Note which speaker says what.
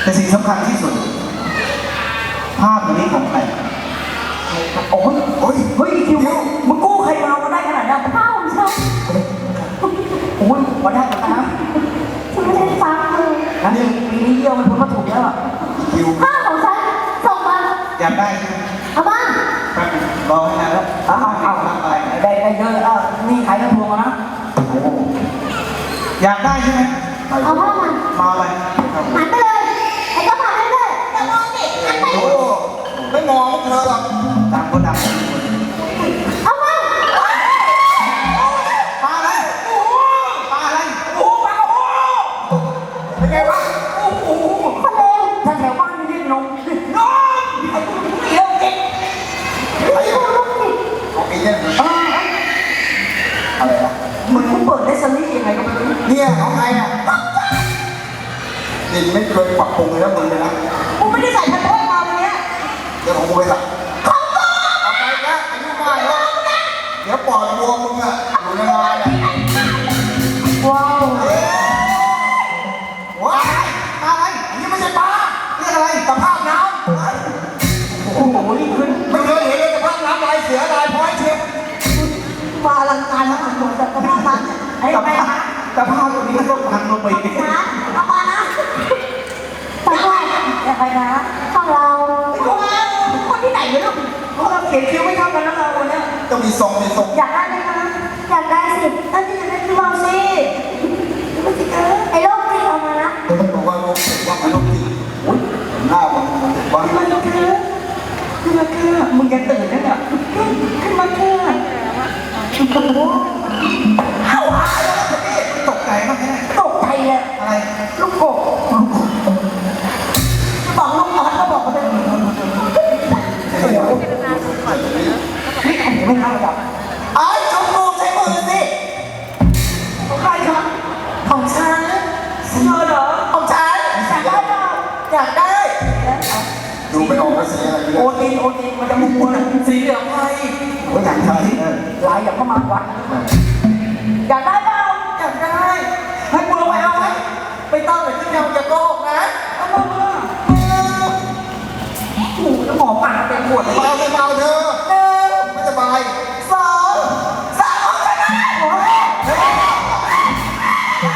Speaker 1: แต่สิ่งสำคัญที่สุดภาพนี้ของใครโอ้ยโอ้ยเฮ้ยคิวมึงกู้ใครมาได้ขนาดนี้
Speaker 2: ข้าวของฉัน
Speaker 1: โอ้ยมาได้กันนะ
Speaker 2: ฉันไม่ได้ฟังเลย
Speaker 1: นั่นปีนี้เยี่ยมมันพ้นมาถูกแล้วคิว
Speaker 2: ข้าวของฉันส่งมา
Speaker 1: อยากได้ใช่ไหม
Speaker 2: เอาบ้าง
Speaker 1: รอให้นานแล้วเอาไปได้เยอะนี่ขายกระทงนะอยากได้ใช่ไหม
Speaker 2: เอาบ้าง
Speaker 1: มาอะไร
Speaker 2: หันไปเลยไอ้ก็ผ่านไปเลยอย่ามองดิหันไป
Speaker 1: ไม่มองเธอหรอกดำก็ดำ
Speaker 2: เอาบ้าง
Speaker 1: ปลาอะไรปลาอะไรปลาเป็นไงวะ
Speaker 2: คนเลว
Speaker 1: ถ้าแถวบ้านนี่เรียกนมเร็วเก่ง
Speaker 2: ไอ้ลูกติด
Speaker 1: โอเคเนี่ยอะไรอะมึงเปิดได้สลิปยังไงก็ไม่รู้เนี่ยของใครอ่ะนี่ไม่เคยปรับปรุงเลยนะมึงเลยนะ
Speaker 2: กูไม่ได้ใส่พันธุ์มาวันนี้
Speaker 1: เดี๋ยวของกูไปสั่ง
Speaker 2: ของกู
Speaker 1: เอาไปนะอายุมากแล้วเดี๋ยวปอดบวมมึงอ่ะอยู่ในงานอ่ะ
Speaker 2: ว้าว
Speaker 1: ว้ายปลาอะไรอันนี้ไม่ใช่ปลาเรียกอะไรตะภาพน้ำโอ้โหนี่ขึ้นไม่เคยเห็นเลยตะภาพน้ำลายเสือลายพร้อยเชียบ
Speaker 2: มาลังการทั้งหมดแต่ก็ไม่ทันไอ้แม่
Speaker 1: ตะภาพตัวนี้ก็พังลงไป
Speaker 2: นะเอามานะไปด้วยอย่าไปนะของเราคนที่ไหนเนี่ยลูก
Speaker 1: เราเขียนคิ้วไม่เท่ากันแล้วเราวันนี้ต้องมีทรง
Speaker 2: อยากได้ไหมคะอยากได้สิถ้าที่จะได้คือเราสิไอ้โรคที่เอามานะ
Speaker 1: บอกว่าโรคติดว่าโรคติดหน้ามันว่า
Speaker 2: มันคือ
Speaker 1: มึงยังตื่นเนี่ย
Speaker 2: ขึ้นมาคือ
Speaker 1: เข้าหาแล้วตกใจมากแค่
Speaker 2: ตกใจเลย
Speaker 1: อะไร
Speaker 2: ลูกกบบอกลูกออสก็บอกว่าเป็นนี่ไม่เข้ากับ
Speaker 1: ไอ้ชมพูใช้มือสิ
Speaker 2: ของใครครับ
Speaker 1: ของฉันเสื้อเหรอของฉัน
Speaker 2: อยากได้เปล่า
Speaker 1: อยากได้ดูไม่ออกว่าสีอะไรโอตินมันจะมุกนะสีเหลืองไงโอ้ยอยากใช้
Speaker 2: ลายอย่างเข้ามาวัดอยากได้เปล่า
Speaker 1: อยากได้ให้กูลงไปเอาไหมไปตั้งแต่ที่เราจะโกหกนะ
Speaker 2: เอามา
Speaker 1: หูจะหมอปากเป็นปวดเบาเธอไม่สบาย